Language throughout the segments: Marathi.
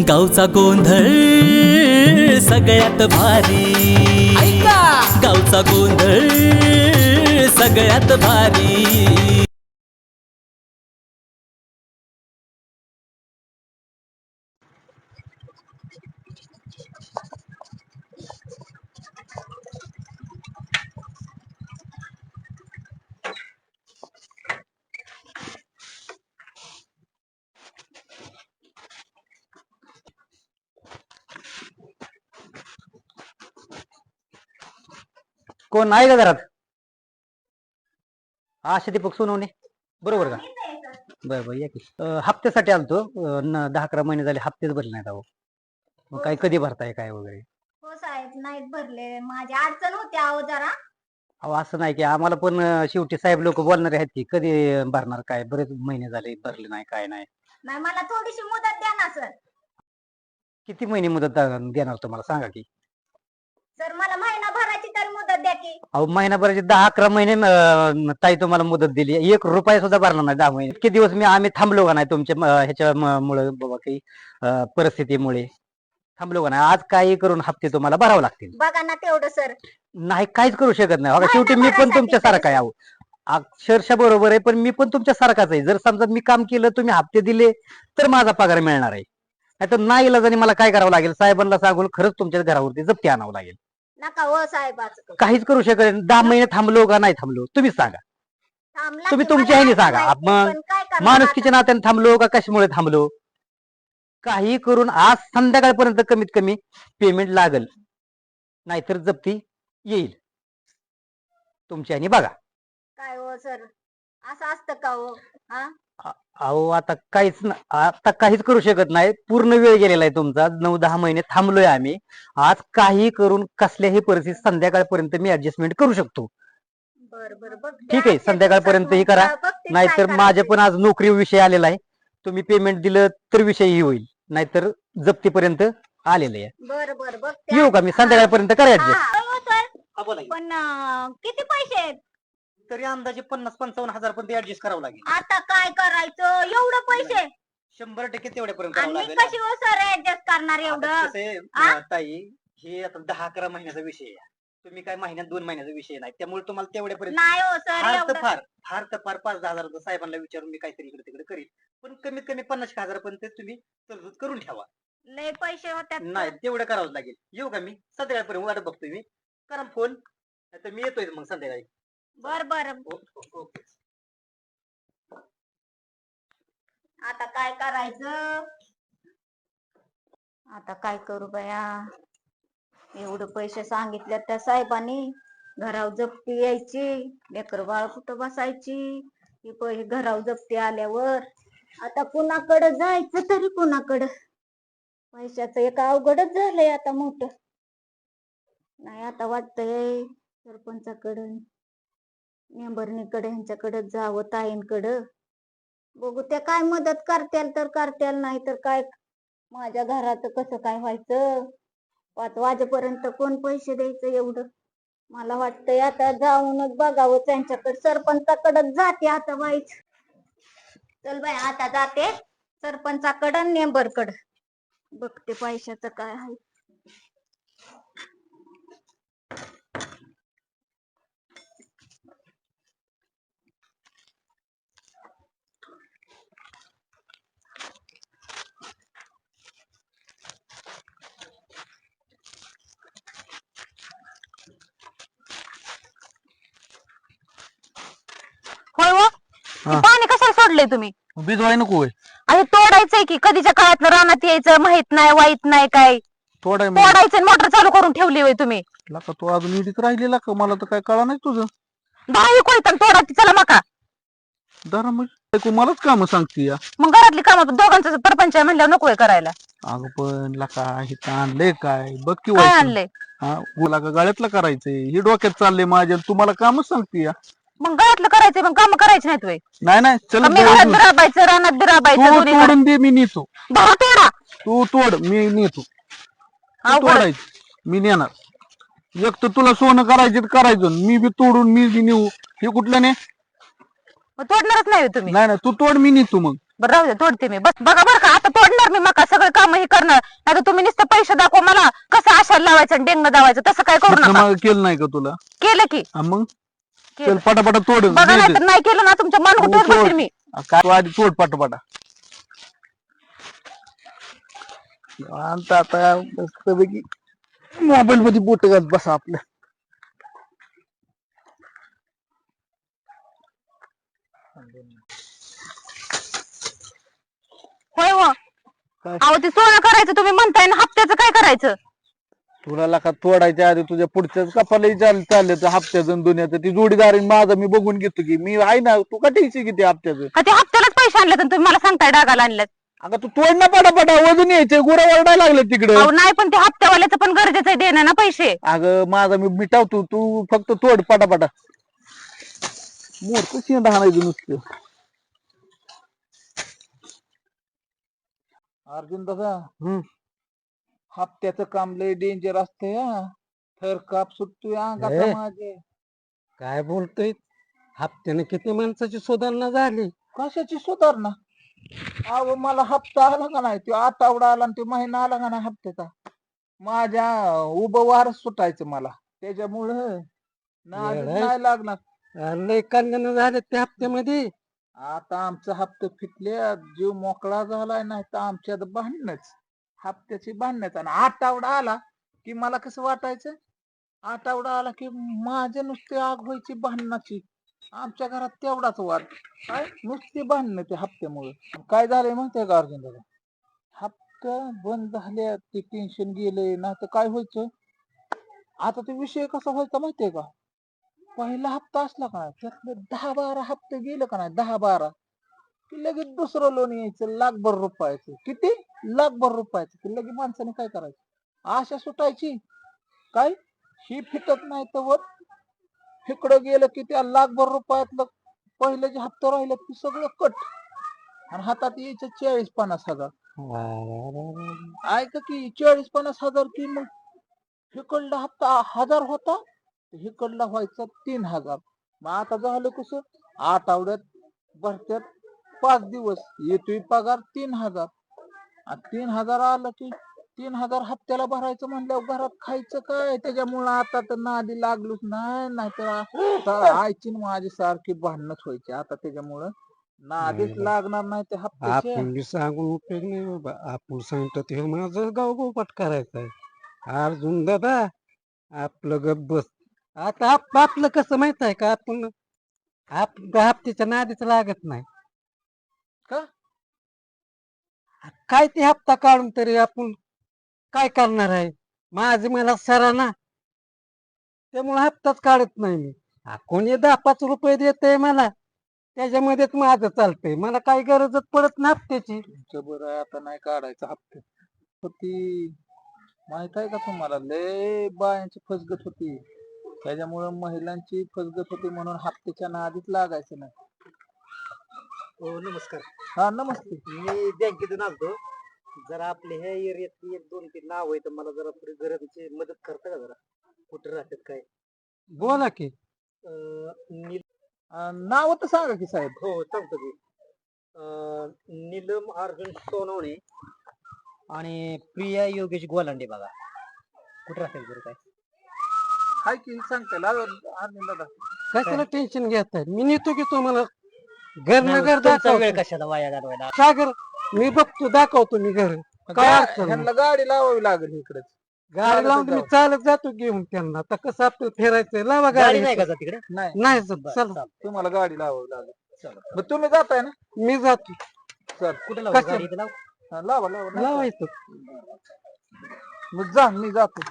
गावचा गोंधळ सगळ्यात भारी, गावचा गोंधळ सगळ्यात भारी। कोण आहे का घरात? आशा दीपक सोनवणे बरोबर का? बरं बरं या की हप्त्यासाठी आलतो। 10-11 महिने झाले हप्तेच भरले नाहीत अहो। मग काय कधी भरताय काय वगैरे? हो साहेब, नाहीत भरले, माझी अडचण होती अहो जरा। अहो असं नाही की आम्हाला पण शेवटी साहेब लोक बोलणारे आहेत की कधी भरणार काय, बरेच महिने झाले भरले नाही काय नाही। नाही, मला थोडीशी मुदत द्या ना सर। किती महिने मुदत देणार तुम्हाला सांगा की? सर मला महिना भराची तर मुदत द्या की। अहो महिनाभराचे 10-11 महिने ताई तुम्हाला मुदत दिली, 1 रुपया सुद्धा भरला नाही 10 महिने। इतके दिवस आम्ही थांबलो का नाही तुमच्या ह्याच्यामुळे बाबा काही परिस्थितीमुळे थांबलो का नाही? आज काही करून हप्ते तुम्हाला भरावे लागतील। बघा ना तेवढं सर। नाही काहीच करू शकत नाही बघा, शेवटी मी पण महिनाभरासाठी तुमच्या सारखा आहे अहो। अक्षरशः बरोबर आहे, पण मी पण तुमच्या सारखाच आहे। जर समजा मी काम केलं तुम्ही हप्ते दिले तर माझा पगार मिळणार आहे, नाही तर नाही इलाजाने मला काय करावं लागेल, साहेबांना सांगून खरंच तुमच्या घरावरती जप्ती आणावं लागेल। नका हो साहेब, काहीच करू शकत नाही। 10 महिने थांबलो का नाही थांबलो तुम्हीच सांगा, तुम्ही तुमच्या ह्याने सांगा। मग माणुसकीच्या नात्याने थांबलो का कशामुळे थांबलो? काही करून आज संध्याकाळपर्यंत कमीत कमी पेमेंट लागल, नाहीतर जप्ती येईल तुमच्या ह्याने बघा। काय हो सर, असं असतं का हो? अहो आता काहीच करू शकत नाही, पूर्ण वेळ गेलेला आहे तुमचा। 9-10 महिने थांबलोय आम्ही। आज काही करून कसल्याही परिस्थितीत संध्याकाळपर्यंत मी ऍडजस्टमेंट करू शकतो। ठीक आहे, संध्याकाळपर्यंत ही करा, नाहीतर माझ्या पण आज नोकरी विषय आलेला आहे। तुम्ही पेमेंट दिलं तर विषयही होईल, नाहीतर जप्तीपर्यंत आलेलं आहे। बरं बरं बघ, येऊ का मी संध्याकाळपर्यंत? करा ऍडजस्ट। पण किती पैसे आहेत? तरी अंदाजे 50-55 हजार पर्यंत ऍडजस्ट करावं लागेल। आता काय करायचं, एवढं पैसे? 100% तेवढ्यापर्यंत करावं आणि लागेल। कशी हो सर ऍडजस्ट करणार एवढं? ताई हे आता 10-11 महिन्याचा विषय आहे, तुम्ही काय महिन्यात 2 महिन्याचा विषय नाही, त्यामुळे तुम्हाला तेवढ्यापर्यंत नाही हो सर, एवढं फार तर फार 5-10 हजार साहेबांना विचारून मी काहीतरी इकडे तिकडे करीन, पण कमीत कमी 50 हजारापर्यंत तुम्ही तरतूद करून ठेवा। लय पैसे होत्यात नाही तेवढं करावंच लागेल। येऊ का मी संध्याकाळपर्यंत? वाट बघतोय मी, करा फोन, नाहीतर मी येतोय मग संध्याकाळी। बर बर, ओके। आता काय करायचं? आता काय करू बया, एवढं पैसे सांगितले त्या साहेबांनी, घरावर जप्ती यायची, लेकर बाळ कुठं बसायची, ही पैसे घरावर जप्ती आल्यावर आता कुणाकडे जायचं तरी कुणाकडं? पैशाचं एक अवघडच झालंय आता मोठं। नाही आता वाटतंय सरपंचाकडं, मेंबरणीकडे, ह्यांच्याकडे जावं, ताईंकडं। बघू त्या काय मदत करत्याल तर करत्याल, नाही तर काय माझ्या घरात कसं काय व्हायचं? 5 वाजेपर्यंत कोण पैसे द्यायचं एवढं? मला वाटतंय आता जाऊनच बघावं त्यांच्याकडे, सरपंचाकडे जाते आता बाईच। चल बाई आता जाते सरपंचाकडं, मेंबरकडं, बघते पैशाचं काय आहे। होय हो, पाणी कशाला सोडलंय तुम्ही? भिजवाय नको अरे तोडायचंय की, कधीच्या काळात रानात यायचं माहित नाही, वाईट नाही काय, तोडायचं मोटर चालू करून ठेवली होय तुम्ही? तू अजून इडीत राहिलेला का? मला तर काय कळा नाही तुझं। दहा कोयता तोडायची, चला मका। मलाच काम सांगते या, मग घरातली कामं दोघांचं परपंच आहे म्हणल्यावर नको करायला? अगं पण लका हे आणलंय काय बघ की, काय आणलंय? हा गुला का गळ्यातलं करायचंय, हे डोक्यात चाललंय माझ्या, तुम्हाला कामच सांगते या। मग घरातलं करायचंय, मग काम करायची नाहीत वय? नाही चल, मी घरात बिराबायचं, रानात बिराबायचं, तोडून दे, मी नेतो। दहा तोडा, तू तोड, मी नेतो। तोडायचं मी नेणार। एक तर तुला सोनं करायचं, मी बी तोडून मी बी नेऊ, हे कुठलं ने? तोडणारच नाही तुम्ही? नाही तू तोड, मी नेतो मग। बरं राहू दे, तोडते मी, बस बघा बरं का, आता तोडणार मी मका, सगळं काम हे करणार. नाही तर तुम्ही नुसतं पैसे दाखवा मला कसं आशाला लावायचं आणि डेंग दावायचं, तसं काय करू नका. मग केलं नाही का तुला? केलं की मग केलं. चल पटापटा तोड. बघा नाही तर नाही केलं ना तुमच्या मन हो, कुठेच तोड. बसेल मी. काय तू आधी तोड पटापटा. आता मस्तपैकी मोबाईल मध्ये बोट घात बसा आपल्या. होय हो. काय? अहो ते सोनं करायचं तुम्ही म्हणताय ना, हप्त्याचं काय करायचं? तुला लाका तोडायच्या आधी तुझ्या पुढच्याच कपालाही चालले तर हप्त्याचं दुनियाचं ती जोडीदार आहे माझा, मी बघून घेतो की मी आहे ना. तू का टेन्शन घेते हप्त्याचं? का ते हप्त्यालाच पैसे आणले तर तुम्ही मला सांगताय डागाला आणल्यात? अगं तू तोड ना पटापटा, वजन यायचे गुरा वरडायला लागले तिकडे. अहो नाही पण ते हप्त्यावाल्याचं पण गरजेचं आहे देणं ना पैसे. अगं माझा मी मिटावतो, तू फक्त तोड पटापटा. मोठ शेंड हाणायचं नुसतं. अर्जुन दादा हप्त्याचं काम लय डेंजर असतंय हा. थर काप सुटतोय अंगाचा माझे. काय बोलतोय? हप्त्याने किती माणसाची सुधारणा झाली. कशाची सुधारणा? अहो मला हप्ता आला का नाही, तो आठवडा आला आणि तो महिना आला का नाही हप्त्याचा, माझ्या उभं वारच सुटायचं मला. त्याच्यामुळं नाही लागणार. लय कल्याण झाले त्या हप्त्यामध्ये. आता आमचा हप्ता फिटले, जीव मोकळा झालाय. नाही तर आमच्यात भांडणच, हप्त्याची भांडणच. आणि आठवडा आला की मला कसं वाटायचं, आठवडा आला की माझे नुसते आग व्हायची भांडणाची. आमच्या घरात तेवढाच वाद, काय नुसती भांडणं ते हप्त्यामुळे. काय झालंय माहितीये का अर्जुन दादा, हप्ता बंद झाले ते टेन्शन गेले. नाही तर काय व्हायचं, आता ते विषय कसा व्हायचा माहितीये का, पहिला हप्ता असला का नाही त्यातले 10-12 हप्ते गेले का नाही, 10-12 की लगेच दुसरं लोन यायचं लाखभर रुपयाचं. किती? लाखभर रुपयाचं. की लगेच माणसाने काय करायचं, आशा सुटायची. काय ही फिटत नाही तर वर इकडं गेलं की त्या लाखभर रुपयातलं पहिले जे हप्ते राहिले ते सगळं कट, आणि हातात यायचं 40-50 हजार. ऐका की 40-50 हजार की मग इकडला हप्ता 1000 होता, इकडला व्हायचा 3000. मग आता झालं कसं, आठवड्यात भरत्यात 5 दिवस येतोय पगार 3000, आणि 3000 आलं की 3000 हप्त्याला भरायचं म्हणल्यावर घरात खायचं काय. त्याच्यामुळं आता तर नादी लागलोच नाही. नाहीतर आईची माझी सारखी भांडणच व्हायची. आता त्याच्यामुळं नादीच लागणार नाही ते हप्त्याचे. आपण बी सांगून उपयोग नाही बाबा. आपण सांगतो ते माझं गाव गोपाट करायचं आहे. अर्जुन दादा आपलं गप बस. आता आपलं कसं माहित आहे का, आपण हप्त्याच्या नादीच लागत नाही का? काय ते हप्ता काढून तरी आपण काय करणार आहे. माझे मला सरा ना, त्यामुळे हप्ताच काढत नाही मी. कोणी 10-5 रुपये देते मला, त्याच्यामध्येच माझं चालतंय. मला काही गरजच पडत नाही हप्त्याची. तुमचं बरं आहे, आता नाही काढायचं हप्ते. होती माहित आहे का तुम्हाला, लय बायांची फसगत होती. त्याच्यामुळं महिलांची फसगत होती, म्हणून हप्त्याच्या नादीच लागायचं नाही. हो नमस्कार. हा नमस्ते. मी बँकेतून आलतो. जरा आपल्या ह्या एरियातली 1-2-3 नाव आहे, तर मला जरा थोडी गरजची मदत करता का जरा? कुठे राहतात काय? बोला की. नाव तर सांगा की साहेब. हो सांगतो की. नीलम अर्जुन सोनवणे आणि प्रिया योगेश गोलांडे. बघा कुठे राहतात बरं काय? हाय की सांगता अर्जुन दादा. कशाला टेन्शन घेताय, मी नेतो की तुम्हाला घर ना घर दाखवतो. वेळ कशाला वाया घालवायला? सागर मी बघतो, दाखवतो मी घर. काय अडचण नाही. ह्यांना गाडी लावावी लागेल इकडेच. गाडी लावून मी चालत जातो घेऊन त्यांना. आता कसं आपल्याला फिरायचंय, लावा गाडी. नाही का तिकडे? नाही चला तुम्हाला गाडी लावावी लागेल. मग तुम्ही जाताय ना? मी जातो. चल कुठे लावा लावा लावायचं? मग जा, मी जातो.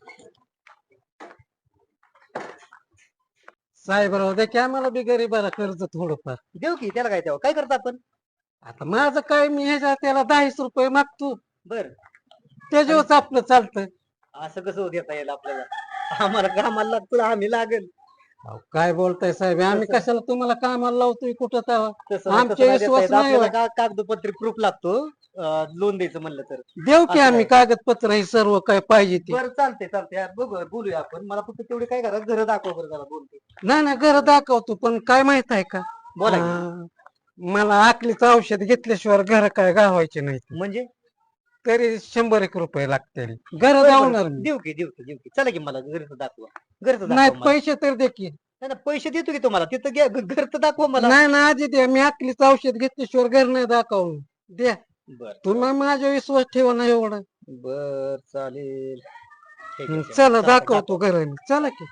साहेबराव द्या की आम्हाला बी गरीबाला कर्ज थोडंफार देऊ की. त्याला काय द्यावं, काय करता आपण? आता माझं काय, मी ह्याच्या त्याला 10 रुपये मागतो. बर त्याच्यावरच आपलं चालतं. असं कसं देता येईल आपल्याला? आम्हाला कामाला लागतो, आम्ही लागेल. काय बोलताय साहेब, आम्ही कशाला तुम्हाला कामाला लावतोय कुठं तेव्हा? आमच्या विश्वास नाही. कागदपत्री प्रूफ लागतो लोन द्यायचं म्हणलं तर. देऊ की आम्ही कागदपत्र हे सर्व काय पाहिजे ते. बरं चालते बघू, बोलूया आपण. मला फक्त तेवढे काय करा, घर दाखवा बरं जरा. बोलते नाही घर दाखवतो, पण काय माहित आहे का, बोला मला आकलीचं औषध घेतल्याशिवाय घर काय गावायचे नाही. म्हणजे तरी 100 रुपये लागतील घर जाऊणार मी. देऊ की चला की मला घरचं दाखवा घरचं नाही दाखवा मला. पैसे तर दे की नाही, नाही, पैसे देतो की तुम्हाला तिथं घरचं दाखवा मला. नाही ना आजी द्या मी आखलीच औषध घेतल्याशिवाय घर नाही दाखवून द्या बर तुम्ही माझ्या विश्वास ठेवा ना एवढा बर चालेल ठीक आहे, चला दाखवतो घर चला की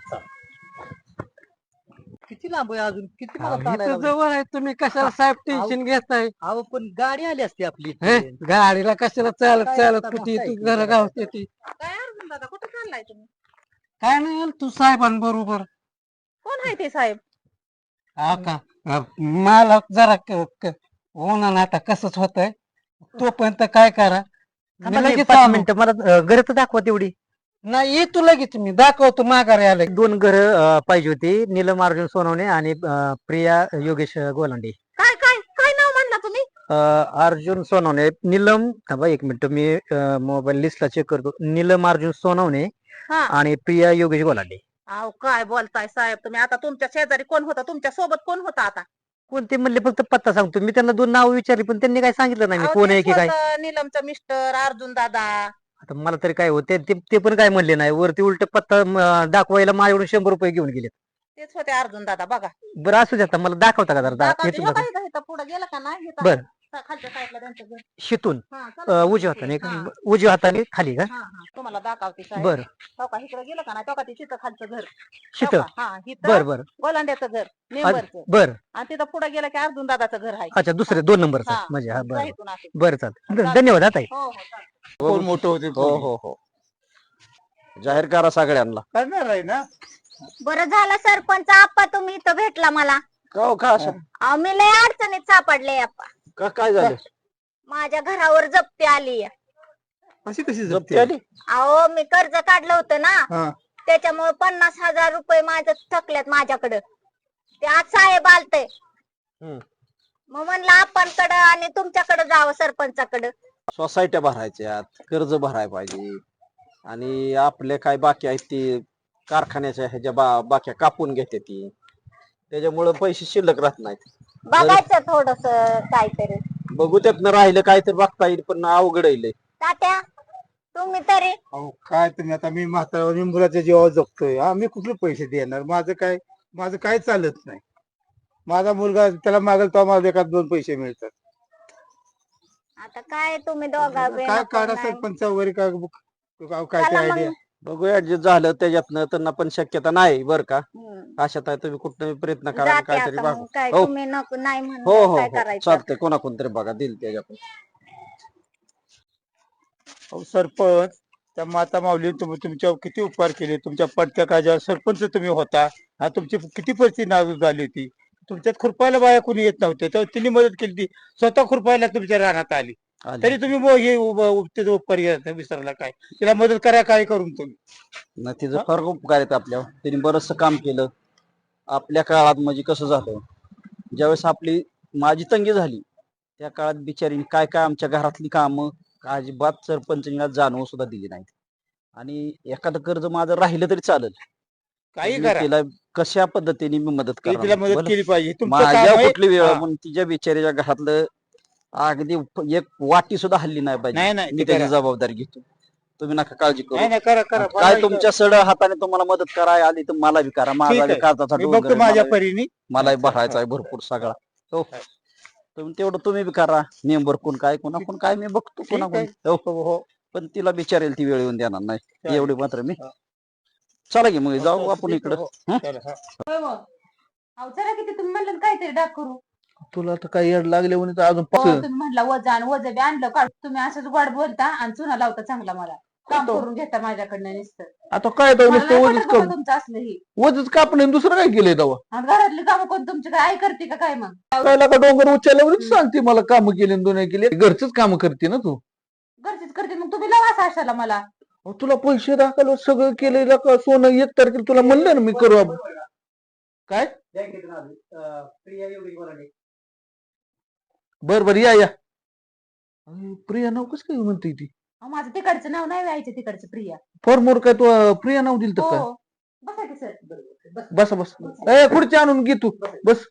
किती लांब आहे अजून किती मला इथं चालायला लागलं? जवळ आहे तुम्ही कशाला साहेब टेन्शन घेताय अहो पण गाडी आली असती आपली हे? इथे. गाडीला कशाला चालत काय चालत आता कुठे बसायचं तू घर जरा. गावते ती काय अर्जुन दादा कुठं चाललाय तुम्ही काय नाही तू साहेबांबरोबर कोण आहे ते साहेब हा का मला जरा उन्हानं आता कसंच होतंय तोपर्यंत काय करा मी थांबा की लगेच 5 आणू. मिनिटं मला घरचं दाखवा तेवढी. नाही येतो लगेच मी दाखवतो माघारी आलं 2 घर पाहिजे होती नीलम अर्जुन सोनवणे आणि प्रिया योगेश गोलांडे. काय काय काय नाव म्हणला तुम्ही अर्जुन सोनवणे नीलम थांबा 1 मिनिट मी मोबाईल लिस्टला चेक करतो. नीलम अर्जुन सोनवणे हा आणि प्रिया योगेश गोलांडे. अहो काय बोलताय साहेब तुम्ही आता तुमच्या शेजारी कोण होता तुमच्या सोबत कोण होता आता कोणते म्हणले फक्त पत्ता सांगतो मी त्यांना 2 नाव विचारली पण त्यांनी काय सांगितलं नाही मी अहो, कोण आहे तेच की काय. होतं, नीलमचं मिस्टर अर्जुन दादा आता मला तरी काय होते ते पण काय म्हणले नाही वरती उलट पत्ता दाखवायला माझ्याकडून 100 रुपये घेऊन गेले. तेच होते अर्जुन दादा बघा बरं असू द्या आता मला दाखवता का जरा दाखवते. येतो हे का? काय इथं पुढे गेला का नाही इथं बरं. खालच्या साईडला त्यांचं घर शितून हा, चला. उजव्या हाताने हा. उजव्या हाताने खाली का हा, हा. तुम्हाला दाखवते साहेब बरं हो का इकडे गेलं का नाही तो का ते तिथं खालचं घर हो शित का? हा इथं बर बर गोलांड्याचं घर मेंबरचं बर आणि तिथं पुढे गेलं की अर्जुन दादाचं घर आहे अच्छा दुसरे 2 नंबर हा. म्हणजे हा जा बरं इथून असं. बरं चालतं धन्यवाद आता हो हो चालेल. कोण मोठं होते हो हो हो जाहीर करा सगळ्यांना. करणार आहे ना बरं झालं सरपंच आप्पा तुम्ही इथं भेटला मला का हो, का असं अहो, मी लय अडचणीत सापडले आप्पा का काय झालं माझ्या घरावर जप्ती आली अशी कशी जप्ती आली अहो मी कर्ज काढलं होतं हा. ना त्याच्यामुळे 50,000 रुपये माझं थकल्यात माझ्याकडं ते आज साहेब आलते हम्म. मग म्हणलं आपणकडं आणि तुमच्याकडे जावं सरपंचाकडं सोसायट्या भरायच्यात कर्ज भराय पाहिजे आणि आपले काय बाकी आहेत ते कारखान्याच्या ह्याच्या बाक्या कापून घेते ती त्याच्यामुळे पैसे शिल्लक राहत नाहीत. बघायचं थोडस काहीतरी बघू त्यातनं राहिलं काय तर बघता येईल पण अवघड येईल. तात्या तुम्ही तरी अहो काय तुम्ही आता मी म्हातारा मी मुलाच्या जीवावर जगतोय हा मी कुठले पैसे देणार माझं काय चालत नाही. माझा मुलगा त्याला मागेल तेव्हा माझ्या एखाद 2 पैसे मिळतात. आता काय तुम्ही दोघा काय काढा सरपंच वगैरे काय काय ते आयडिया बघू ऍडजस्ट झालं त्याच्यातनं त्यांना पण शक्यता नाही बरं का. अशात आहे तुम्ही कुठं प्रयत्न करा आणि काहीतरी बघा. काय हो. तुम्ही नको नाही हो म्हणलं हो काय हो करायचं चालतंय कोणाकोण तरी बघा दिल त्याच्याकडे. अहो सरपंच त्या माता माऊली तुमच्या किती उपकार केले तुमच्या पडत्या काळजावर सरपंच तुम्ही होता हा तुमची किती परिस्थिती नाजूक झाली होती. तुमच्यात खुरपायला बाया कोणी येत नव्हते तर तिने मदत केली ती स्वतः खुरपायला तुमच्या रानात आली तरी तुम्ही हे त्याचा उपकार विसरला काय तिला मदत करा काय करून तुम्ही नाही तिचं फार उपकार आहेत आपल्यावर त्यांनी बरचसं काम केलं आपल्या काळात. म्हणजे कसं झालं ज्यावेळेस आपली माझी तंगी झाली त्या काळात बिचारीने काय काय आमच्या घरातली कामं अजिबात सरपंचांना जाणवू सुद्धा दिली नाहीत. आणि एखादं कर्ज माझं राहिलं तरी चालेल काही मी करा तिला कशा पद्धतीने मी मदत तरी करा तिला मदत केली पाहिजे तुमचं काम माझ्या आहे. कुठली वेळ हा. पण तिच्या बिचारीच्या घरातलं अगदी एक वाटी सुद्धा हल्ली नाही नाही, पाहिजे. नाही, मी ते त्याची करा. जबाबदारी घेतो तुम्ही नका काळजी नाही करू. नाही करा करा काय तुमच्या सड हाताने तुम्हाला मदत कराय आली तर मला बी करा. माझा ठीक बी आहे. काळजाचा मी डोंगर बघतो आहे, माझ्या मला परीने मलाही भरायचा आहे भरपूर सगळा. हो तुम्ही तेवढं तुम्ही बी करा मेंबर कोण काय कोणाकोण काय मी बघतो कोणाकोण. हो हो पण तिला बिचारेल ती वेळ येऊन देणार नाही चालेल. एवढी मात्र मी हा. चला की मग जाऊ आपण इकडं. चला, हा. अहो चला किती तुम्ही म्हणलं काहीतरी डाक करू तुला तर काही येड लागले म्हणे तर अजून हो, तुम्ही म्हणला वजन वज बी आणलं का तुम्ही असंच गोड बोलता आणि चुना लावता चांगला मला काम करून घेता माझ्याकडनं नुसतं आता काय तर मला नुसतं नाही वजच पटत बाबा कर तुमचं असलं हे वजच कापणे दुसरं काय केलंय तेव्हा आणि घरातली कामं कोण तुमची काय आई करते का काय मग काय का डोंगर उचलल्यावर सांगते मला काम केली दोन्ही केली घरचंच काम करते ना तू घरचीच करते मग तुम्ही लावा साशाला मला अहो, तुला पैसे दाखल सगळं केलेलं का सोनं 1 तारखेला तुला म्हणलं ना मी करू आपण. काय प्रिया योगेश गोलांडे. बर बर या अरे, प्रिया नाव कसं काय म्हणते ती अहो, माझं तिकडचं नाव नाही व्हायचं तिकडचं प्रिया फॉर्मवर काय तू प्रिया नाव दिलं तर काय हो बसा की सर बस बस ए खुर्ची आणून घे तू बस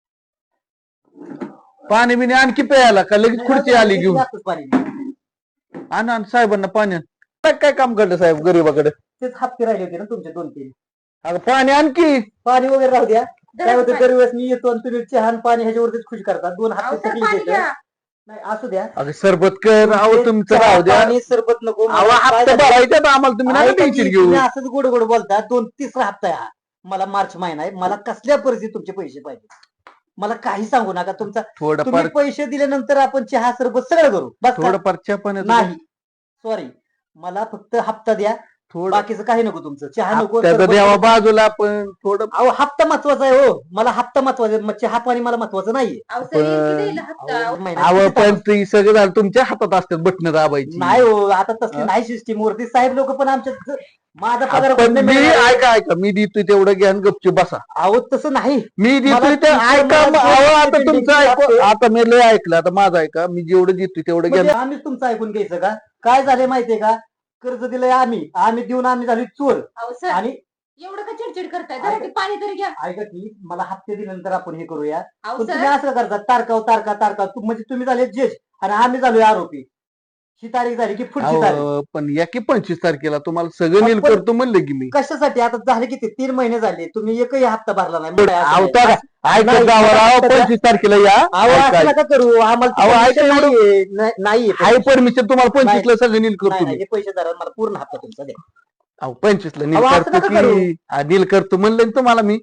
पाणी बिणी आणखी प्यायला का लगेच खुर्ची आली घेऊन जास्तच पाणी. आण साहेबांना पाणी आण. काय काय काम करलं साहेब गरीबाकडे? तेच हप्ते राहिले होते ना तुमचे 2-3. अगं पाणी आणखी. पाणी वगैरे राहू द्या. काय होतं दरवेळेस मी येतो आणि तुम्ही चहा आणि पाणी ह्याच्यावरतीच खुश करता. 2 हप्ते थकले देतो. नाही असू द्या. अगं सरबत कर. अहो तुमचं चहा, राहू द्या. पाणी सरबत नको. अहो मला काय हप्ता झालं? भरायचा तर आम्हाला तुम्ही नका ऐका टेन्शन की, घेऊ. तुम्ही असंच गोड गोड बोलता. 3रा हप्ता आहे हा. मला मार्च महिना आहे. मला कसल्या परिस्थितीत तुमचे पैसे पाहिजे. मला काही सांगू नका. तुम्ही थोडंफार पैसे दिल्यानंतर आपण चहा सरबत सगळं करू. बस का? थोडंफार चहा पाण्याचं नाही सॉरी, मला फक्त हप्ता द्या. थोडं बाकीचं काही नको तुमचं. चहा नको, हप्त्याचं सरबत द्यावा नको. बाजूला आपण थोडं. अहो हप्ता महत्वाचा आहे हो. मला हप्ता महत्वाचा आहे. मग चहा पाणी मला महत्वाचं नाहीये. अहो, सर, येईल की देईल हप्ता? अहो, महिन्यात अहो किती पण तास? ती सगळं झालं तुमच्या हातात असतात बटणं दाबायची. नाही हो, आता तसली हा? नाही सिस्टीम वरती. साहेब लोक पण आमच्या माझा पगार पण कुठनं मी मिळणार? ऐका मी देतोय तेवढं घ्या आणि गपचूप बसा. अहो तसं नाही. मी देतोय मला ते तुमचं- ऐका. मला अहो आता तुमचं तुमचं पेंडिंग ऐकू. लागतंय. आता मी लय ऐकलं. आता माझं ऐका. मी जेवढं देतोय तेवढं घ्या. म्हणजे आम्हीच तुमचं ऐकून घ्यायचं का? काय झालंय माहितीये का? कर्ज दिलंय आम्ही देऊन आम्ही झाली चोर. अहो सर, आणि एवढं का चिडचिड करताय? जरा ते पाणी तरी घ्या. ऐका की, मला हप्ते दिल्यानंतर आपण हे करूया. अहो पण सर, तुम्ही असं करता तारका म्हणजे तुम्ही झाले जज आणि आम्ही झालोय आरोपी. ही तारीख झाली की पुढची तारीख. अहो, पण या की 25 तारखेला तुम्हाला सगळं नील पण- करतो म्हणलं की मी. कशासाठी? आता झाले किती 3 महिने झाले. तुम्ही एकही हप्ता भरला नाही. अहो तर ऐका नाही, गावाला. अहो नाही, 25 तारखेला या. अहो ऐका. असं नका करू. आम्हाला अहो, ती ऐका permission एवढं- नाहीये. नाहीये आहे परमिशन तुम्हाला 25 ला सगळं नील नाही, करतो नाही, मी. हे पैसे धरा. मला पूर्ण हप्ता तुमचा द्या. अहो 25 ला नील अहो, असं करतो नका करू. की नील करतो म्हणलं ना तुम्हाला मी.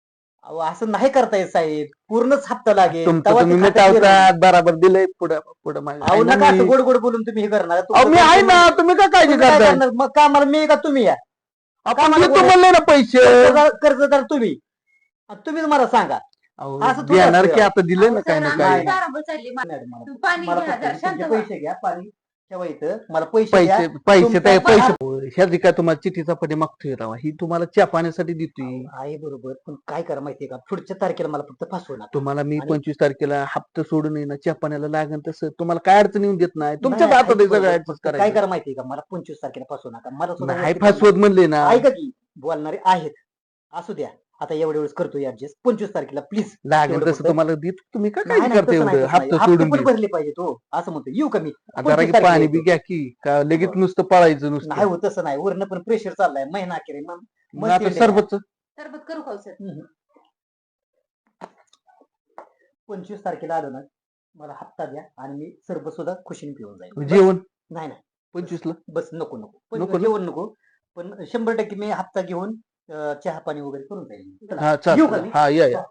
अहो असं नाही करता येत साहेब. पूर्णच हप्ता लागेल. तुमचं तेव्हा तुम्ही ते खात्यात येईल. मिटावतात बराबर दिलंय पुढं पुढं मागे. अहो आहे ना नका असं मी. गोड गोड बोलून तुम्ही हे करणार. अहो मी आहे ना. तुम्ही का काळजी तुम्ही काय करताय? करणार? मग का मला मी का तुम्ही या? आपण मला देतो बोलायचं. म्हणले ना पैसे. कर्जदार तुम्ही. आणि तुम्हीच मला सांगा. अहो, असं थोडं देणार असतं. की आता दिलंय ना अहो, काय सर, ना आम्ही काय. नाही. दारावर चालली. मॅडम, मला- तुम्ही पाणी मला घ्या, फक्त जरा शांत तुमचे व्हा. पैसे घ्या. पाणी ठेवा इथं. मला पैसे द्या. पैसे तुमचा पैसे पगार- ह्याची काय तुम्हाला चिठ्ठीचा पटे मागतोय राव. ही तुम्हाला चहा पाण्यासाठी देतोय. आहे बरोबर. पण काय करा माहितीये का? पुढच्या तारखेला मला फक्त फसवणार. तुम्हाला मी आणि- 25 तारखेला हप्ता सोडून येईन चहा पाण्याला लागेल तसं तुम्हाला काय अडचण येऊन देत नाही. तुमच्या नाही, हातात आहे ऐक सगळं बरोबर. ऍडजस्ट काय करायचं. करा माहितीये का? मला 25 तारखेला फसवू नका. मला सुद्धा नाही वरती फसवत म्हणले ना. ऐका की, बोलणारे आहेत. असू द्या. आता एवढ्या वेळेस करतो ऍडजस्ट. 25 तारखेला प्लीज. लागेल तेवढं तसं फक्त- तुम्हाला देत. तुम्ही काय नाही, काळजी नाही, करता तसं नाही, एवढं तसं नाही. हप्ता हप्ते सोडून पण दे. भरले पाहिजे तो. असं म्हणतो. येऊ का मी? जरा 25 की तारखेला पाणी येतो. बी घ्या की का लगेच नुसतं पळायचं नाही नुसतं. होत तसं नाही. वरनं पण प्रेशर चाललाय. महिना अखेर आहे. मग आता सरबत सरबत करू का हो, सर? 25 तारखेला आलो ना, मला हप्ता द्या आणि मी सरबत सुद्धा खुशीने पिऊन जाईल. जेवण नाही नाही 25 ला. बस नको नको. पण नको ना? जेवण नको. पण 100% मी हप्ता घेऊन चहा पाणी वगैरे करून जाईल. चला. हा येऊ का चाल मी? हा या.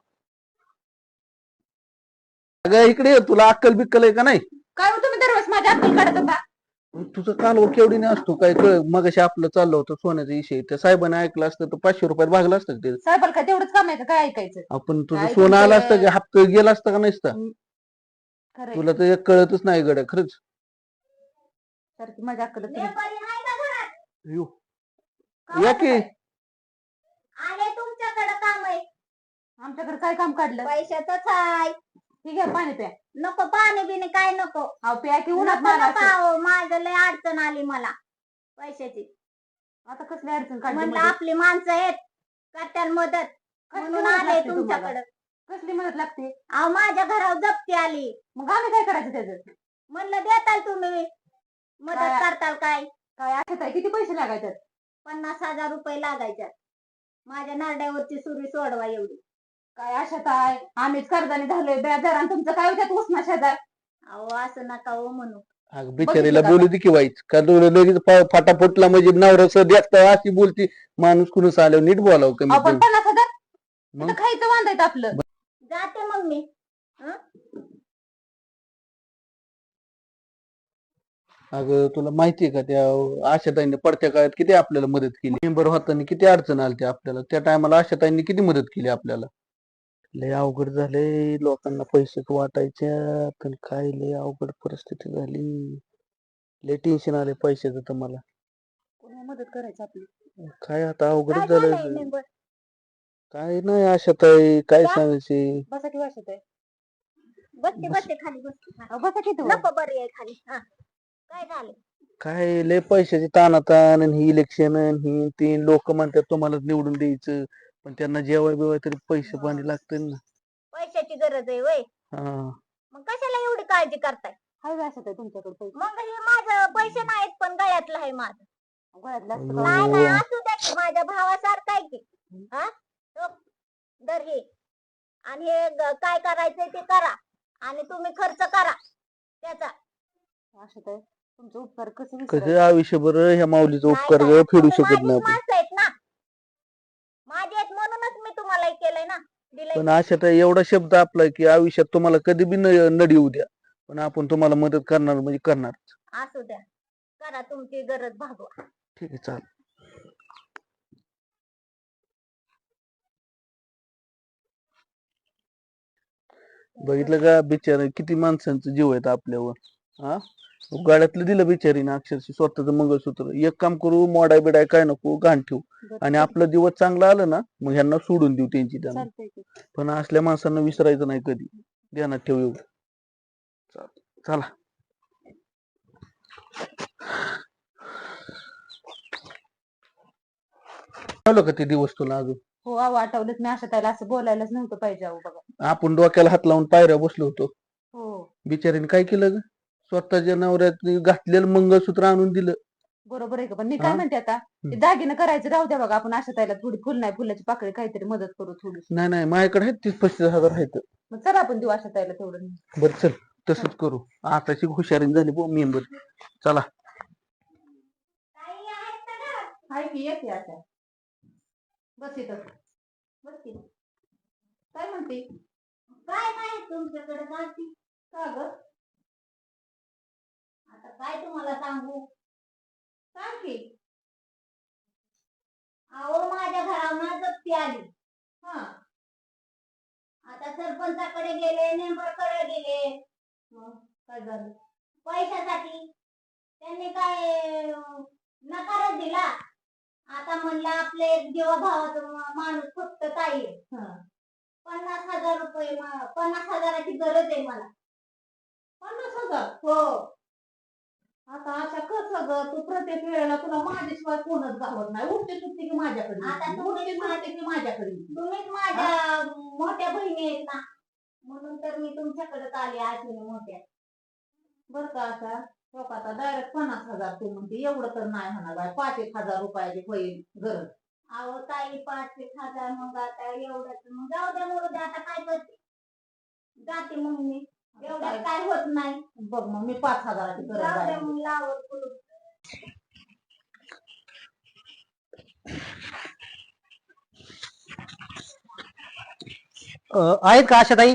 अगं इकडे ये, तुला अक्कल बिक्कल आहे का नाही? काय हो तुम्ही दरवेळेस माझ्या अक्कल काढत होता? तुझं कालवर केवढी नाही असतो काय कळ. मगाशी आपलं चाललं होतं सोन्याचा विषय. त्या साहेबांनी ऐकलं असतं तर 500 रुपयात भागलं असतं का ते. साहेबाला काय तेवढंच काम आहे का? काय ऐकायचं? आपण तुझं काय सोनं आलं असतं तुमचं- का हप्ता गेला असतं का नसतं. खरंय. तुला तर एक कळतच नाही गड्या खरंच. सारखी माझ्या अक्कल तुम्ही- यो. या की आले तुमच्याकडे काम आहे. आमच्याकडे काय काम काढलं? पैशाचंच आहे. ठीक आहे, पाणी प्या. नको पाणी बिणी काय नको. अहो प्या की उन्हात नको मारा नका असं. अहो, माझं लय अडचण आली मला पैशाची. आता कसली अडचण काढली म्हणलं मध्ये? आपली माणसं आहेत करत्याल मदत कसली म्हणून मदत आले लागते तुम्हाला? तुमच्याकडे. कसली मदत लागते? अहो माझ्या घरावर जप्ती आली. मग आम्ही काय करायचं त्याचं? म्हणलं देताल तुम्ही मदत काय? करताल काय? काय आठवत आहे? किती पैसे लागायचे? 50,000 रुपये लागायच्यात. माझ्या नारड्यावरची सुरी सोडवा एवढी. काय आशात आहे? आम्हीच कर्जाने झालोय बेजार आणि तुमचं काय होत्यात उष्णा शेजार? अहो असं नका हो म्हणू. अगं बिचारीला बघितलं का? बोलू दे की वाईट का लगेच फाटाफुटला म्हणजे नवरा देखता अशी बोलती. माणूस कुणीच आल्यावर नीट बोलावं कमी आपण 50,000 मग? इथं खायचं वांदायचं आपलं. जाते मग मी. अगं तुला माहितीये का त्या आशाताईंनी पडत्या काळात किती आपल्याला मदत केली. मेंबर होताना किती अडचण आली आपल्याला. त्या टायमाला आशाताईंनी किती मदत केली आपल्याला. लय अवघड झाले लोकांना पैसे वाटायच्या पण काय लय अवघड परिस्थिती झाली. लय टेन्शन आले पैशाचं तर मला. कोणी मदत करायचं आपली? काय आता अवघडच काय झालंय झालं. मेंबर? काय नाही आशाताई काय काय? सांगायचे. बसा की वाशत आहे. बसते बसते खाली बसते. अहो, बसा की तू. नको बरी आहे खाली. हा. काय झालं? काय लय पैशाची ताणाताण आणि ही इलेक्शन ही तीन लोक म्हणतात तुम्हाला निवडून द्यायचं पण त्यांना जेवाय बिवाय तरी पैसे पाणी लागतील ना. पैशाची गरज आहे वय. हा मग कशाला एवढी काळजी करताय? हाय का असं तुमच्याकडे पैसे? मग हे माझं पैसे नाहीत पण गळ्यातलं आहे माझं. गळ्यातलं असतं अयो. का? नाही नाही असू द्या की, माझ्या भावासारखं आहे की. हा तो दर हे आणि हे काय करायचंय ते करा आणि तुम्ही खर्च करा त्याचा. असं तर तुमचं उपकार कसं कसं विसरायचं? आयुष्यभर ह्या माऊलीचा नाही उपकार काय, फेडू तुम्ही शकत माझीच नाही आपण. माणसं आहेत ना, माझे आहेत म्हणूनच मी तुम्हाला हे केलंय ना, दिलंय. पण आशाताई एवढा शब्द आपला की आयुष्यात तुम्हाला कधी बी नडी येऊ द्या, पण आपण तुम्हाला मदत करणार म्हणजे करणार. असू द्या, करा तुमची गरज भागवा. ठीक आहे, चालेल. बघितलं का बिचार किती माणसांचा जीव आहेत आपल्यावर. हा गाड्यातलं दिलं बिचारीनं अक्षरशः स्वतःच मंगळसूत्र. एक काम करू, मोडाय बिडाय काय नको, घाण ठेवू आणि आपलं दिवस चांगला आलं ना मग ह्यांना सोडून देऊ त्यांची त्यांना. चालतंय की. पण असल्या माणसांना विसरायचं नाही कधी, ध्यानात ठेव एवढं. चला ठेवलं का ते दिवस तुला अजून? हो अहो आठवलंच, मी असं त्याला असं बोलायलाच नव्हतं पाहिजे अहो बघा. आपण डोक्याला हात लावून पायऱ्या बसलो होतो. हो बिचारीने काय केलं ग? स्वतःच्या नवऱ्यात घातलेलं मंगळसूत्र आणून दिलं. बरोबर आहे का? पण मी हा? काय म्हणते आता, ते दागिनं करायचं राहू द्या बघा, आपण असं त्याला थोडी फुल नाही फुलाची पाकळी काहीतरी मदत करू थोडी. नाही नाही माझ्याकडे आहेत 30-35 हजार आहेत. मग चला आपण देऊ असं त्याला तेवढं. बरं चल तसंच करू. आताची हुशारी झाली मेंबर. चला ताई आहेत का घरात? हाय की येते आता. बस इथं बस की. काय म्हणते? काय नाही तुमच्याकडे जाती. का ग? आता काय तुम्हाला सांगू, सांग की. अहो माझ्या घरावर जप्ती आली. हा आता सरपंचाकडे गेले, मेंबरकडे गेले. मग काय झालं? पैशासाठी त्यांनी काय नकारच दिला. आता म्हणलं आपले एक जीवाभावाचा माणूस फक्त ताई आहे. हा 50,000 रुपये 50,000ची गरज आहे मला. 50,000? हो आता अशा कसं ग? तू प्रत्येक वेळेला तुला माझ्याशिवाय कोणच गावत नाही. उठते सुटते की माझ्याकडे आता येते. तुम्ही उठते सुटते की माझ्याकडे येते. तुम्हीच माझ्या मोठ्या बहिणी आहेत ना, म्हणून तर मी तुमच्याकडे आले आठवणी मोठ्या. बरं का असा लोक आता डायरेक्ट 50,000 तू म्हणते, एवढं तर नाही होणार बाय. 5,000 रुपयाची होईल गरज. अहो ताई 5,000 मग आता एवढंच मग जाऊ द्या मोरू द्या, आता काय करते, जाते मग मी. एवढ्यात काय होत नाही. बघ मग मी 5,000ची गरज जाऊ द्या आहे. मग लावल कुलूप. आहेत का आशाताई?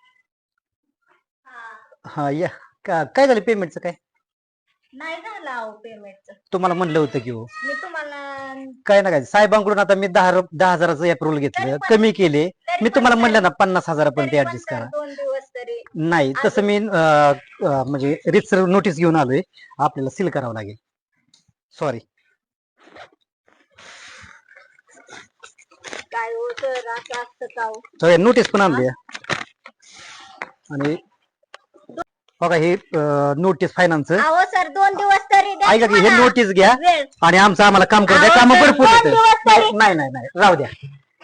हा हा या. काय झालं पेमेंटचं काय? नाही झालं अहो पेमेंटचं. तुम्हाला म्हणलं होतं की हो. मी तुम्हाला काय ना काय साहेबांकडून आता मी 10,000चं अप्रुव्हल घेतलं, कमी केले. मी तुम्हाला म्हणलं ना 50,000पर्यंत ऍडजस्ट करा. 2 दिवस तरी नाही तसं मी म्हणजे रितसर नोटीस घेऊन आलोय, आपल्याला सील करावं लागेल. सॉरी. काय हो सर असं असतं का हो? नोटीस पण आणली आणि बघा हे नोटीस फायनान्स. अहो सर 2 दिवस तरी द्या ऐका की हे मला नोटीस घ्या वेळ. आणि आमचं आम्हाला काम करू द्या. अहो, काम सर, भरपूर 2 आहेत. दिवस तरी नाही नाही नाही राहू द्या.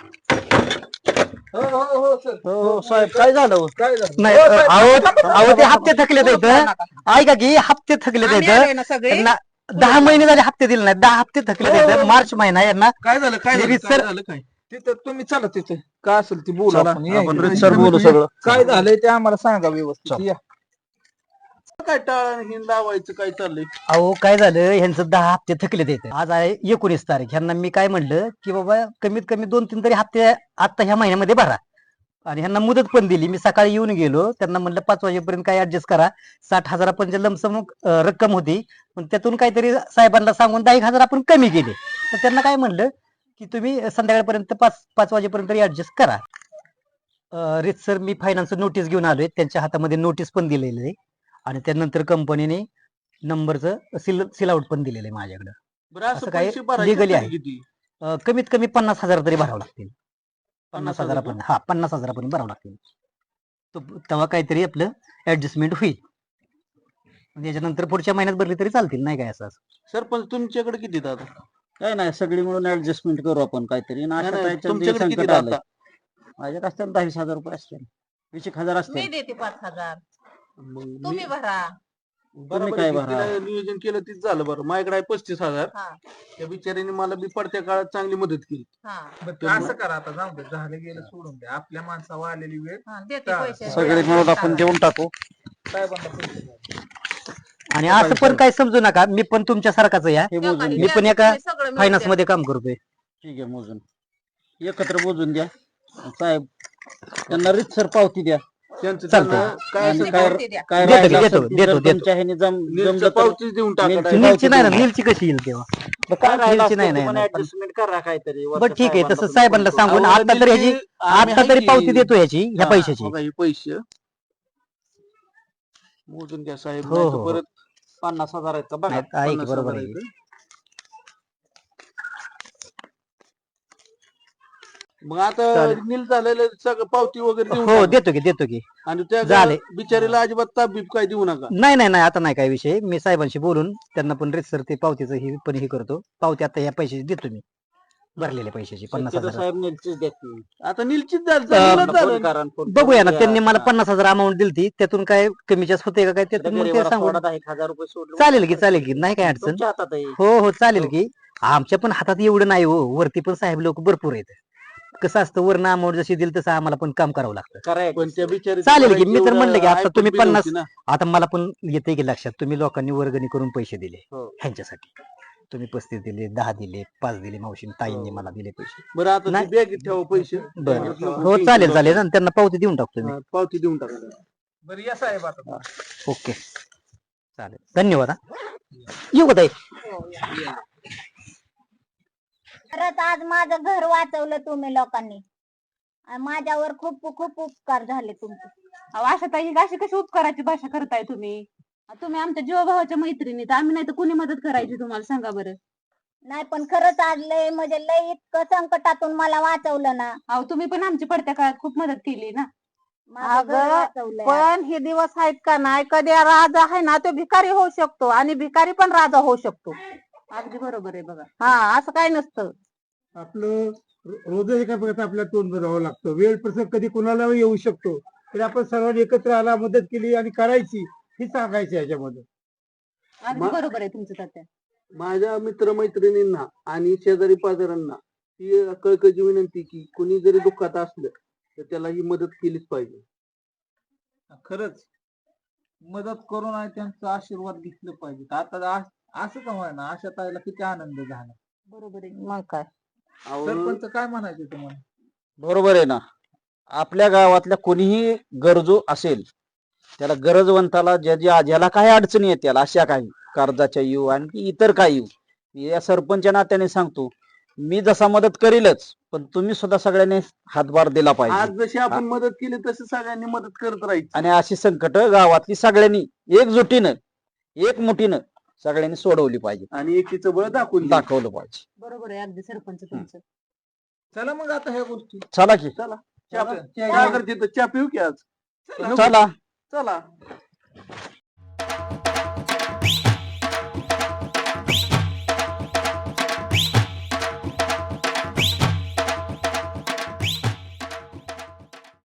हो हो हो सर. हो साहेब काय झालं? काय झालं? नाही अहो ते हप्ते थकले आहेत. ऐका की हप्ते थकले आहेत. त्यांना 10 महिने झाले हप्ते दिले नाही. 10 हप्ते थकले आहेत. मार्च महिना यांना काय झालं? काय झालं? रीतसर- काय झालं? काय तिथं तुम्ही चला तिथे काय असेल ते बोलू चला, आपण. या आपण इकडे. रीतसर बोलू सगळं. काय झालंय ते आम्हाला सांगा व्यवस्थित. चल. या. काय टाळा हिंद लावायचं काय चाललंय? अहो काय झालं ह्यांचं 10 हप्ते थकले आहेत. आज आहे 19 तारीख. ह्यांना मी काय म्हणलं की बाबा कमीत कमी 2-3 तरी हप्ते आता ह्या महिन्यामध्ये भरा आणि ह्यांना मुदत पण दिली. मी सकाळी येऊन गेलो, त्यांना म्हणलं 5 वाजेपर्यंत काय ऍडजस्ट करा. 60,000 लमसम रक्कम होती, पण त्यातून काहीतरी साहेबांना सांगून 10,000 आपण कमी केले. तर त्यांना काय म्हणलं की तुम्ही संध्याकाळपर्यंत 5 वाजेपर्यंत ऍडजस्ट करा. रितसर मी फायनान्स नोटीस घेऊन आलोय, त्यांच्या हातामध्ये नोटीस पण दिलेली आहे आणि त्यानंतर कंपनीने नंबरचं सील आउट पण दिलेलं आहे माझ्याकडे. बरं असं असं काय पैसे भरायचे legally आहे. तरी किती? कमीत कमी 50,000 तरी भरावं लागतील. 50,000 50,000 हा 50,000 भरावं लागतील. तेव्हा काहीतरी आपलं ऍडजस्टमेंट होईल. त्याच्यानंतर पुढच्या महिन्यात भरली तरी चालतील, नाही काय असं. सरपंच तुमच्याकडे किती आहेत आता? काय नाही सगळी मिळून ऍडजस्टमेंट करू आपण काहीतरी. आणि नाही, अशा नाही, ताईच्या तुमच्याकडे जे किती संकट आहेत आलंय, आता? माझ्याकडे असतील 10,000 रुपये असतील, 20,000 मी असतील. देते 5,000 मग तुम्ही भरा. बरोबर काय आहे की भरा? तिला नियोजन केलं तीच झालं बरं. माझ्याकडे आहे 35,000. हा त्या बिचारीने मला बी पडत्या काळात चांगली मदत केली. हा असं करा आता, जाऊ दे, झालं गेलं सोडून द्या. आपल्या माणसावर आलेली वेळ हा देते चालेल. पैसे सगळे मिळून आपण देऊन टाकू. साहेबांना पैसे द्या. आणि असं पण काय समजू नका, मी पण तुमच्या सारखाच या हे मोजून मी घ्या. पण एका सगळं मिळून फायनान्स द्या. मध्ये काम करतोय. ठीक आहे, मोजून एकत्र मोजून द्या साहेब. त्यांना रीतसर पावती द्या. त्यांचं चालतंय. त्यांना काय आणि असेल काय पावती द्या. काय देतो, राहिलं देतो, असेल ते देतो, जर देतो. तुमच्या ह्याने नीलचं जमलं तर पावतीच देऊन टाका नीलची direct. नीलची नाही ना, देऊन नीलची कशी येईल तेव्हा? काय राहिलं नीलची नाही, असेल ते नाही, पण नाही. ऍडजस्टमेंट करा काहीतरी. बरं ठीक आहे, तसं वरच्या साहेबांना साहेबांना सांगून अहो, आता तर ह्याची नीलची आम्ही आता आहे तरी की- पावती देतो ह्याची, ह्या हा, पैशाची. बघा, हे पैसे मोजून घ्या साहेब. हो, नाही हो, तर हो. परत 50,000 आहेत का बघा. नाही, आहे की 50,000 बरोबर आहे आहेत. की. मग आता चालेल. नील झालेलं सगळं पावती वगैरे देऊन हो टाका. देतो की, देतो की. आणि त्या झाले. बिचारीला अजिबात ताप बीप काय देऊ नका. नाही नाही नाही, आता नाही काय विषय. मी साहेबांशी बोलून त्यांना पण रेसर ते पावतीचं ही पण हे करतो. पावती आता ह्या पैशाची देतो मी, भरलेल्या पैशाची शक्यतो 50,000. साहेब नीलचीच देतील. आता नीलचीच झालं फोन झालं. करा आणि फोन बघूया करून ना, द्या. त्यांनी मला हा. 50,000 अमाऊंट दिलती, त्यातून काय कमी जास्त होते का काय, त्यातून मग ते गरीबाला सांगून. सोडा 1,000 रुपये सोडले. चालेल की, चालेल की, नाही काय अडचण. तुमच्या हातात आहे. हो हो चालेल की. आमच्या पण हातात एवढं नाही हो, वरती पण साहेब लोक भरपूर आहेत. कसं असतं, वरनं अमाऊंट जशी दिली तसं आम्हाला पण काम करावं लागतं. करा पण त्या बिचारी चालेल की, मी तर म्हणलं की आता तुम्ही 50, आता मला पण येते की लक्षात, तुम्ही लोकांनी वर्गणी करून पैसे दिले हो. ह्यांच्यासाठी. तुम्ही 35 दिले, 10 दिले, 5 दिले, मावशीने ताईंनी मला दिले पैसे. बरं आता नाही. बॅगेत ठेवा पैसे. बरं नको हो टेन्शन चालेल करू. चालेल, आणि त्यांना पावती देऊन टाकतो मी. हा, पावती देऊन टाका. बरं या साहेब आता. ओके चालेल, धन्यवाद. येऊ का ताई? खरंच आज माझं घर वाचवलं तुम्ही लोकांनी, आणि माझ्यावर खूप खूप उपकार झाले तुमचे. अहो, अशा ताई अशी कशी उपकाराची भाषा करताय तुम्ही? तुम्ही आमच्या जीवाभावाच्या मैत्रिणीत, आम्ही नाही तर कुणी मदत करायची तुम्हाला, सांगा बरं. नाही पण खरंच आज लय म्हणजे लय इतकं संकटातून मला वाचवलं ना. अहो तुम्ही पण आमची पडत्या काळात खूप मदत केली ना. माझं घर अगं, वाचवलंय. पण हे दिवस आहेत का नाही, कधी राजा आहे ना तो भिकारी होऊ शकतो आणि भिकारी पण राजा होऊ शकतो. अगदी बरोबर आहे बघा. हा, असं काय नसतं. आपलं रोज एका प्रकारचं आपल्याला तोंड बघावं लागतं. वेळ प्रसंग कधी कोणाला येऊ शकतो, तरी आपण सर्वांनी एकत्र आला, मदत केली आणि करायची, ही सांगायची याच्यामध्ये. अगदी बरोबर आहे तुमचं तात्या. माझ्या मित्रमैत्रिणींना आणि शेजारी पाजारांना ही कळकळीची विनंती की कुणी जरी दुःखात असलं तर त्याला ही मदत केलीच पाहिजे. खरंच मदत करून आणि त्यांचा आशीर्वाद घेतलं पाहिजे. आता असं का म्हणा, अशा ताईला किती आनंद झाला. बरोबर आहे. मग काय. अहो, सरपंच काय म्हणायचे तुम्हाला? बरोबर आहे ना. आपल्या गावातल्या कोणीही गरजू असेल, त्याला गरजवंताला ज्याला काही अडचणी येतील, अशा काही कर्जाच्या येऊ आणखी इतर काही येऊ, या सरपंच नात्याने सांगतो, मी जसा मदत करीलच, पण तुम्ही सुद्धा सगळ्यांनी हातभार दिला आज पाहिजे. जशी आपण मदत केली तशी सगळ्यांनी मदत करत राहायची. आणि अशी संकट गावातली सगळ्यांनी एकजुटीनं एकमुठीनं सगळ्यांनी सोडवली पाहिजे, आणि एकीचं बळ दाखवून द्या. दाखवलं पाहिजे. बरोबर आहे अगदी सरपंच तुमचं. चला मग आता ह्या गोष्टी चला की, चहा करते तर चहा पिऊ की आज? चला. चला.